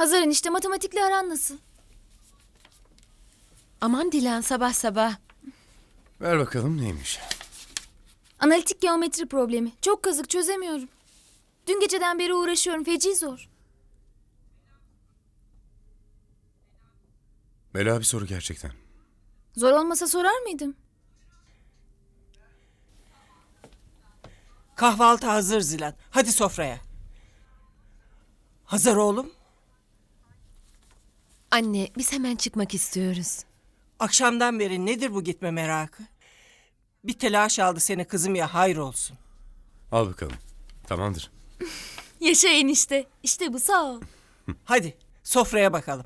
Hazar enişte, matematikle aran nasıl? Aman Dilan, sabah sabah. Ver bakalım neymiş. Analitik geometri problemi. Çok kazık, çözemiyorum. Dün geceden beri uğraşıyorum, feci zor. Bela bir soru gerçekten. Zor olmasa sorar mıydım? Kahvaltı hazır Zilan. Hadi sofraya. Hazır oğlum. Anne, biz hemen çıkmak istiyoruz. Akşamdan beri nedir bu gitme merakı? Bir telaş aldı seni kızım ya, hayır olsun. Al bakalım. Tamamdır. Yaşa enişte. İşte bu, sağ ol. Hadi sofraya bakalım.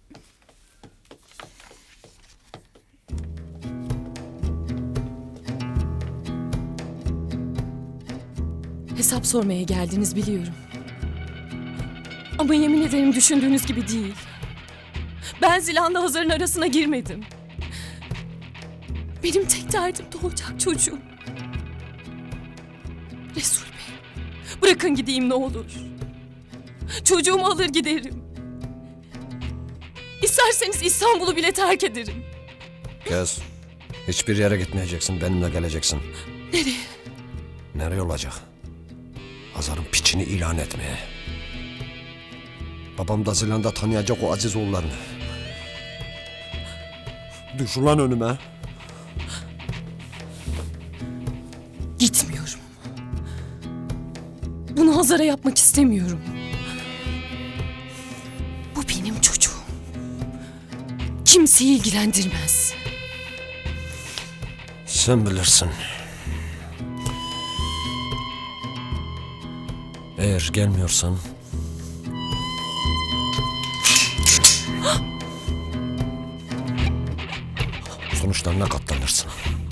Hesap sormaya geldiniz biliyorum. Ama yemin ederim düşündüğünüz gibi değil. Ben Zilan'la Hazar'ın arasına girmedim. Benim tek derdim doğacak çocuğum. Resul Bey, bırakın gideyim ne olur. Çocuğumu alır giderim. İsterseniz İstanbul'u bile terk ederim. Kız, hiçbir yere gitmeyeceksin, benimle geleceksin. Nereye? Nereye olacak? Hazar'ın piçini ilan etmeye. Babam da Zilan'da tanıyacak o aziz oğullarını. Düş ulan önüme. Gitmiyorum. Bunu Hazar'a yapmak istemiyorum. Bu benim çocuğum. Kimseyi ilgilendirmez. Sen bilirsin. Eğer gelmiyorsan... sonuçlarına katlanırsın.